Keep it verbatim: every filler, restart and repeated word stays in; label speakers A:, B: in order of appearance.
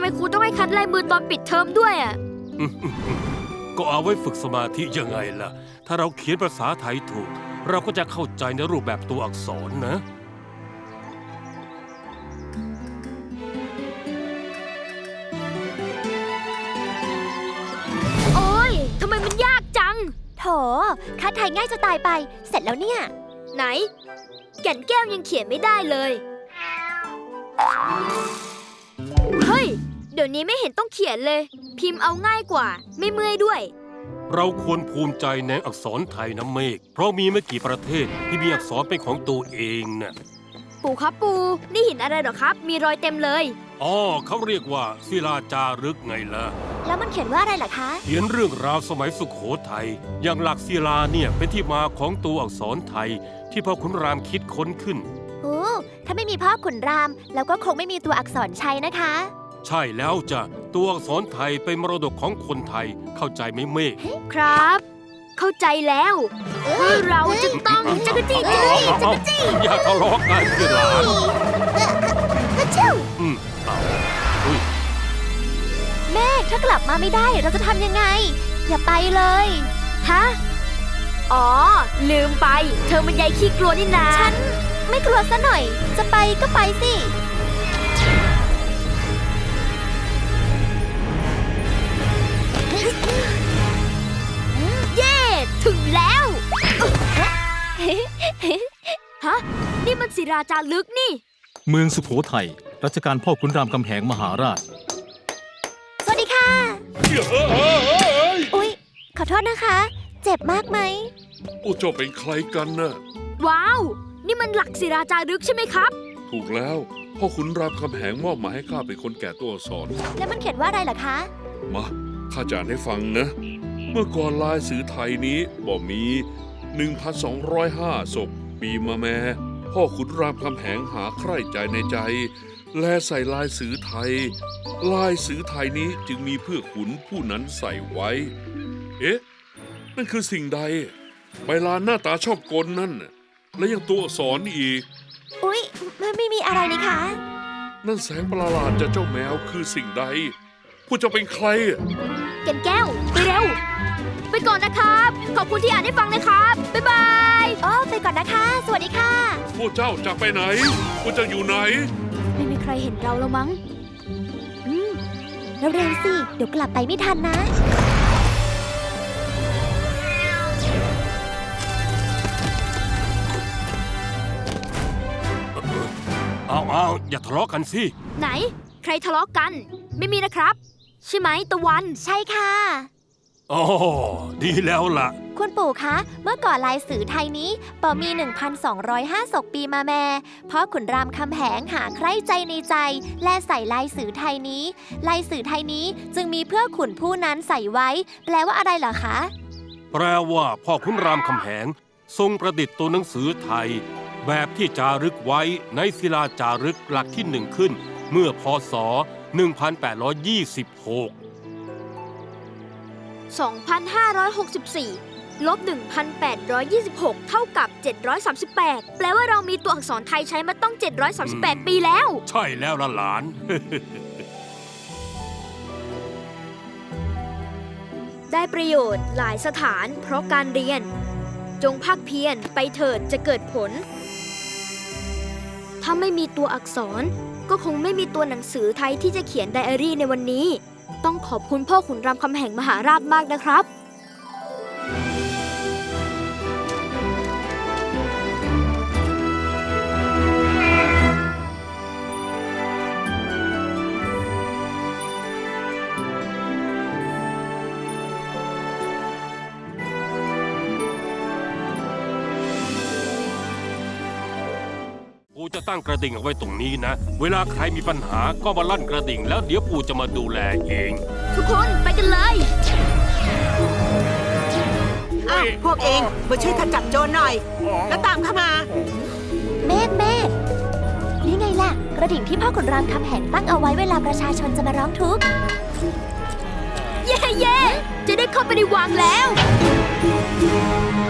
A: ไมครูต้องให้คัดลายมือตอนปิดเทอมด้วยอ่ะ
B: ก็เอาไว้ฝึกสมาธิยังไงล่ะ ถ้าเราเขียนภาษาไทยถูก เราก็จะเข้าใจในรูปแบบตัวอักษรนะ
A: โอ๊ยทำไมมันยากจัง
C: โถคัดไทยง่ายจะตายไป เสร็จแล้วเนี่ย
A: ไหน แก่นแก้วยังเขียนไม่ได้เลย เฮ้ย เดี๋ยวนี้ไม่เห็นต้องเขียนเลย พิมพ์เอาง่ายกว่า ไม่เมื่อยด้วย
B: เราควรภูมิใจในอักษรไทยนะเมฆ เพราะมีไม่กี่ประเทศที่มีอักษรเป็นของตัวเองน่ะ
A: ปู่ครับปู่นี่หินอะไรเหรอครับ มีรอยเต็มเลย
B: อ๋อเขาเรียกว่าศิลาจารึกไงล่ะ
C: แล้วมันเขียนว่าอะไรล่ะคะ
B: เขียนเรื่องราวสมัยสุขโขทัย อย่างหลักศิลาเนี่ยเป็นที่มาของตัวอักษรไทยที่พ่อขุนรามคิดค้นขึ้น
C: โอ้ถ้าไม่มีพ่อขุนราม แล้วก็คงไม่มีตัวอักษรชัยนะคะ
B: ใช่แล้วจ้ะ ตัวอักษรไทยเป็นมรดกของคนไทย เข้าใจไหมเมฆ
A: ครับ เข้าใจแล้วว่าเราจะต้องจักรจี้จักรจี้จักรจี้
B: อย่าทะเลาะกันสิหลาน
C: ก็ชิว
B: อืมเอาอุ้ย
C: แม่ถ้ากลับมาไม่ได้เราจะทำยังไง อย่าไปเลย
A: ฮะ อ๋อ ลืมไป เธอมันใยขี้กลัวนี่นา
C: ฉันไม่กลัวซะหน่อย จะไปก็ไปสิ
A: เย่ ถึงแล้ว ฮะ นี่มันศิราจารึกนี่
D: เมืองสุโขทัย รัชกาลพ่อขุนรามคำแหงมหาราช
C: สวัสดีค่ะ อุ๊ย ขอโทษนะคะ เจ็บมากไหม
E: โอ้เจ้าเป็นใครกันน่ะ
A: ว้าว นี่มันหลักศิราจารึกใช่ไหมครับ
E: ถูกแล้ว พ่อขุนรามคำแหงมอบหมายให้ข้าเป็นคนแก่ตัวอักษร
C: แล้วมันเขียนว่าอะไรล่ะคะ
E: มาข้าจะอ่านให้ฟังนะ เมื่อก่อนลายสื่อไทยนี้บ่มี หนึ่งพันสองร้อยห้า ศกปีมาแม่ พ่อขุนรามคำแหงหาใคร่ใจในใจ แลใส่ลายสื่อไทย ลายสื่อไทยนี้จึงมีเพื่อขุนผู้นั้นใส่ไว้ เอ๊ะ นั่นคือสิ่งใด ใบลานหน้าตาชอบกลนั่นน่ะและยังตัวอักษรอีก
C: อุ๊ยไม่ไม่มีอะไรนี่คะ
E: นั่นแสงประหลาดจากเจ้าแมวคือสิ่งใด ผู้เจ้าเป็นใคร
A: แก่นแก้ว ไปเร็ว ไปก่อนนะครับ ขอบคุณที่อ่านให้ฟังนะครับ บ๊ายบาย
C: อ๋อไปก่อนนะคะ สวัสดีค่ะ
E: พวกเจ้าจะไปไหน พวกเจ้าอยู่ไหน
A: ไม่มีใครเห็นเราแล้วมั้ง
C: อืมเร็วๆสิ เดี๋ยวกลับไปไม่ทันนะ
B: เอาเอาอย่าทะเลาะกันสิ
A: ไหน ใครทะเลาะกัน ไม่มีนะครับ ใช่ไหมตะวัน
C: ใช่ค่ะ
B: อ๋อ ดีแล้วล่ะ
C: คุณปู่คะ เมื่อก่อนลายสื่อไทยนี้ปอมี หนึ่งพันสองร้อยห้า ศกปีมาแม่พ่อขุนรามคำแหงหาใคร่ใจในใจ และใส่ลายสื่อไทยนี้ ลายสื่อไทยนี้จึงมีเพื่อขุนผู้นั้นใส่ไว้ แปลว่าอะไรเหรอคะ
B: แปลว่าพ่อขุนรามคำแหง ทรงประดิษฐ์ตัวหนังสือไทย แบบที่จารึกไว้ในศิลาจารึกหลักที่หนึ่งขึ้น เมื่อพ.ศ. หนึ่งพันแปดร้อยยี่สิบหก
A: สองพันห้าร้อยหกสิบสี่ ลบ หนึ่งพันแปดร้อยยี่สิบหก เท่ากับ เจ็ดร้อยสามสิบแปด แปลว่าเรามีตัวอักษรไทยใช้มาต้อง เจ็ดร้อยสามสิบแปด ปีแล้ว
B: ใช่แล้วล่ะหลาน
A: ได้ประโยชน์หลายสถานเพราะการเรียน จงภาคเพียรไปเถิดจะเกิดผล ถ้าไม่มีตัวอักษร ก็คงไม่มีตัวหนังสือไทยที่จะเขียนไดอารี่ในวันนี้ ต้องขอบคุณพ่อขุนรามคำแหงมหาราชมากนะครับ
B: ปู่จะตั้งกระดิ่งเอาไว้ตรงนี้นะ เวลาใครมีปัญหาก็มาลั่นกระดิ่งแล้วเดี๋ยวปู่จะมาดูแลเอง
A: ทุกคนไปกันเลย
F: อ้าวพวกเองมาช่วยข้าจับโจรหน่อย แล้วตามเข้ามา
C: เมฆเมฆนี่ไงล่ะ กระดิ่งที่พ่อขุนรามคำแหงตั้งเอาไว้เวลาประชาชนจะมาร้องทุกข์
A: เย่เย่จะได้เข้าไปในวังแล้ว